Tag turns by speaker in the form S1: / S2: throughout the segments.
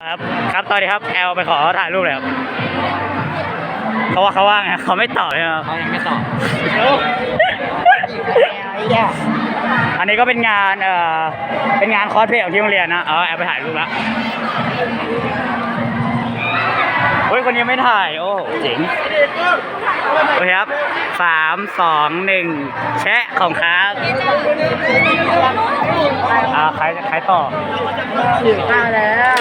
S1: ครับครับตอนนี้ครับแอลไปขอถ่ายรูปเลยครับเขาว่าไงเขาไม่ตอบเลยครับ
S2: เขายังไม่ตอบ
S1: อันนี้ก็เป็นงานเป็นงานคอสเพลย์ของที่โรงเรียนนะแอลไปถ่ายรูปแล้วเฮ้ยคนยังไม่ถ่ายโอ้เจ๋งโอเคครับ3 2 1แชะของครับใครต่อข้าวแล้ว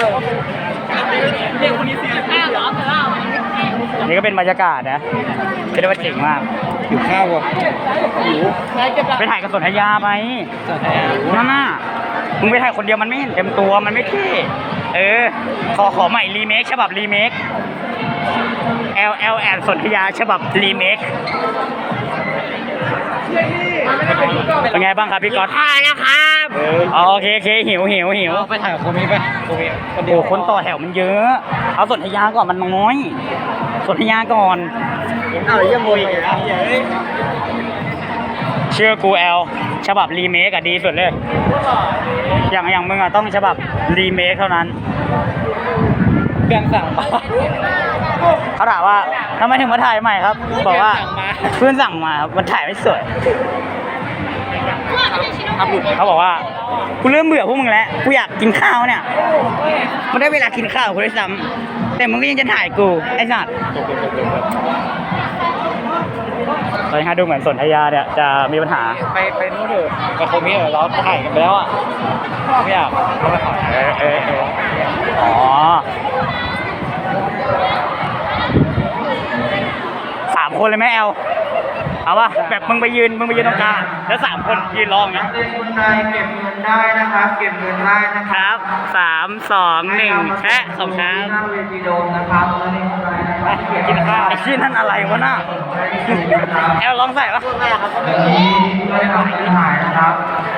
S1: นี่ก็เป็นบรรยากาศนะเรียกว่าเจ๋งมาก
S2: อยู่ข้าวอ่ะหิว
S1: ไปถ่ายกับสนธยาไหมนั่นน่ะมึงไปถ่ายคนเดียวมันไม่เห็นเต็มตัวมันไม่เท่ขอใหม่รีเมคฉบับรีเมค LL แอนสนธยาฉบับรีเมคเป็นไงบ้างครับพี่ก๊อตถ่ายแล้วครับโอเคหิว
S2: ไปถ่ายกับโคมิไปโคมิ
S1: โอ้คนต่อแถวมันเยอะเอาสนธยาก่อนมันน้อยสนธยาก่อน
S2: ยังโมยอยู่นะ
S1: เชื่อกูแอลฉบับรีเมคอะดีสุดเลยอย่างมึงอะต้องฉบับรีเมคเท่านั้น
S2: เพื่อนสั่งมา
S1: เขาถามว่าทำไมถึงมาถ่ายใหม่ครับบอกว่าเพื่อนสั่งมาครับมันถ่ายไม่สวยเขาบอกว่ากูเริ่มเบื่อพวกมึงแล้วกูอยากกินข้าวเนี่ยมันได้เวลากินข้าวกูได้ซ้ำแต่มึงก็ยังจะถ่ายกูไอ้สัตว์ตอนนี้ดูเหมือนสนธยาเนี่ยจะมีปัญหา
S2: ไปนู้นเถอะกับโคมิเราถ่ายกันไปแล้วอ่ะไม่อยากเขาไปขอ
S1: อ๋อ3 คนเลยไหมแอลเอาป่ะแบบมึงไปยืนตรงกลางแล้ว3 คนยืนรออย่างเงี้ย
S3: คนใดเก็บเงินได้นะครับเก็บเงินได้นะค
S1: ครับ 3 2 1แชะของครับ
S3: หน้าเวทีโดมนะครับแล้วนี่คนใดนะครับเก็บ
S1: กินข้าวไอ้ชิ้นนั่นอะไรวะน่ะแอลลองใส่ปะ
S3: นี้ไม่ได้ทำให้หายนะครับ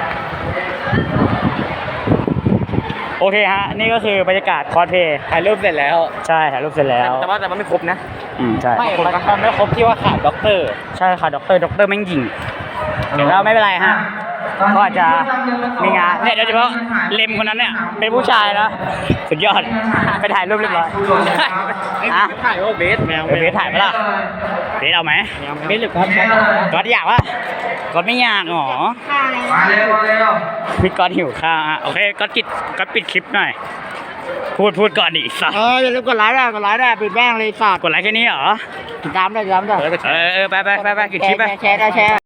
S1: โอเคฮะนี่ก็คือบรรยากาศคอสเพลย์
S2: ถ่ายรูปเสร็จแล้ว
S1: ใช่ถ่ายรูปเสร็จแล้ว
S2: แต่ว่าไม่ครบนะ
S1: ใช่
S2: ไม่มันไม่ครบที่ว่าขาดด็อกเตอร์
S1: ใช่ค่ะด็อกเตอร์แม่งยิงเดี๋ยวเราไม่เป็นไรฮะก็อาจจะมีงานเนี่ยโดยเฉพาะเลมคนนั้นเนี่ยเป็นผู้ชายนะสุดยอดไปถ่ายรูปเรียบร้อยอ่ะ
S2: ถ่ายว่าเบสแมว
S1: เบสถ่ายปะล่ะเบสเอาไหม
S2: เบสหรือก๊อต
S1: ก๊อตอยากปะก๊อตไม่อยากหรอ
S3: มาเร็ว
S1: พี่ก๊อตหิวข้าวอ่ะโอเคก๊อตปิดคลิปหน่อยพูดก่อนดิสัส
S2: อย่าลืมกดไลค์ได้ปิดแม่งเลยสัตว์
S1: กดไลค์แค่นี้เหรอ
S2: ติดตามได้
S1: ไปกินคลิปไป
S2: แชร์